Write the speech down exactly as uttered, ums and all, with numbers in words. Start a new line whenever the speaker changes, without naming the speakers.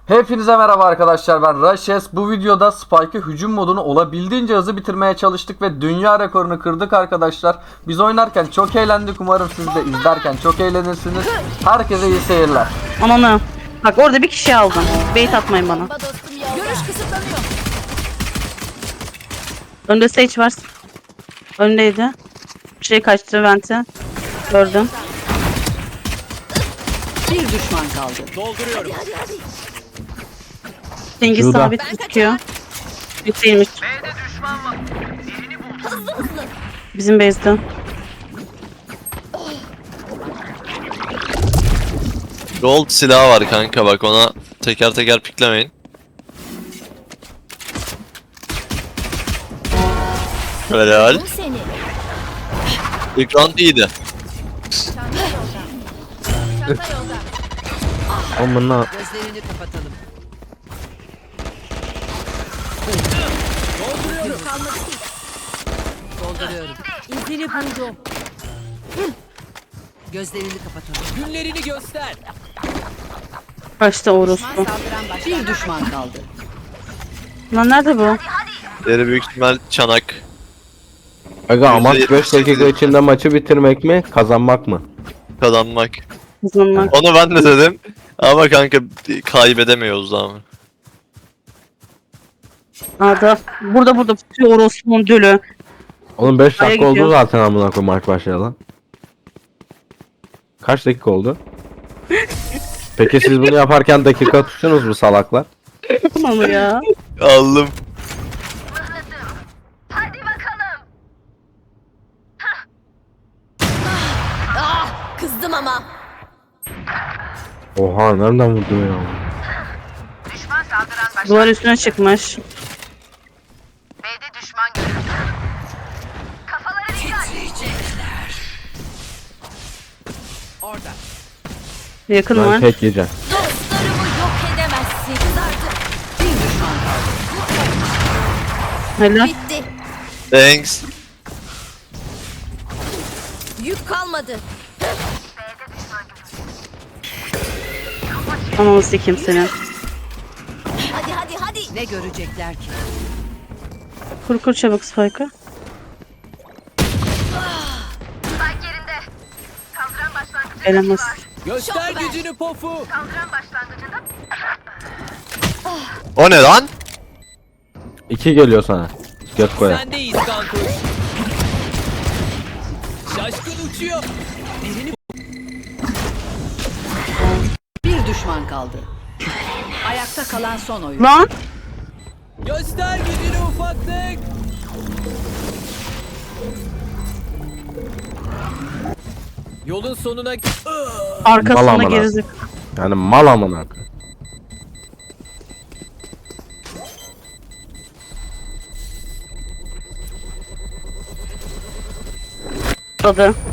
Hepinize merhaba arkadaşlar, ben Rashes. Bu videoda Spike'ı hücum modunu olabildiğince hızlı bitirmeye çalıştık ve dünya rekorunu kırdık arkadaşlar. Biz oynarken çok eğlendik, umarım siz de izlerken çok eğlenirsiniz. Herkese iyi seyirler.
Ananı. Bak orada bir kişi aldım. Bait atmayın bana.
Görüş kısıtlanıyor.
Önde Sage var. Öndeydi. Bir şey kaçtı vente. Gördüm.
Bir düşman kaldı.
Dolduruyorum.
Hadi hadi.
Cengiz
Şurada.
sabit tutuyor. Yükselmiş.
Hızlı hızlı.
Bizim base'de.
Gold silahı var kanka, bak ona teker teker piklemeyin. Helal.
Bu seni.
İlk round iyiydi.
Çanta yolda. Çanta yolda.
Amına
Gözlerini kapatalım. Dolduruyorum. Kalmadı ki. Dolduruyorum. İzini buldum. Gözlerini kapatalım.
Günlerini göster.
Kaçtı orospu.
Saldıran başlar. Bir düşman kaldı.
Lan nerede bu?
Diğeri büyük ihtimal çanak.
Aga amaç
yüzde
beş dakika
yetmiş
içinde maçı bitirmek mi kazanmak mı?
Kazanmak.
Hızlanmak.
Onu ben de dedim. Ama kanka kaybedemiyoruz daha mı?
Arda. Burada burada tutuyor orospunun dölü.
Oğlum beş
Aya
dakika oldu
gidiyor.
zaten amına koyayım maç başlayalı. Kaç dakika oldu? Peki siz bunu yaparken dakika tuttunuz mu salaklar?
Tamam ya.
Aldım.
Kızdım ama.
Oha nereden vurdu ya?
Duvar üstüne çıkmış.
B'de düşman görüldü. Kafaları dikkat.
Orada.
Yakın
Ben
var.
tek yiyeceğim.
Dostlarımı yok edemezsin. Kızardı. Bir düşman kaldı.
Helal.
Bitti.
Thanks.
Yük kalmadı.
Ananı sikeyim seni.
Hadi hadi hadi. Ne görecekler ki?
Kur kur çabuk Spike'ı.
Spike yerinde. Kaldıran başlangıcında
Elemez.
Göster
Şok ver.
gücünü pofu.
kaldıran başlangıcında
O ne lan?
İki geliyor sana. Göt koya.
Sendeyiz kankuş. Şaşkın uçuyor. Birini
Bir düşman kaldı. Ayakta kalan son oyun.
Lan.
göster gücünü ufaklık. Yolun sonuna
Mal
Arkasına
amına.
gerizek.
Yani mal amına koyayım.
Adı.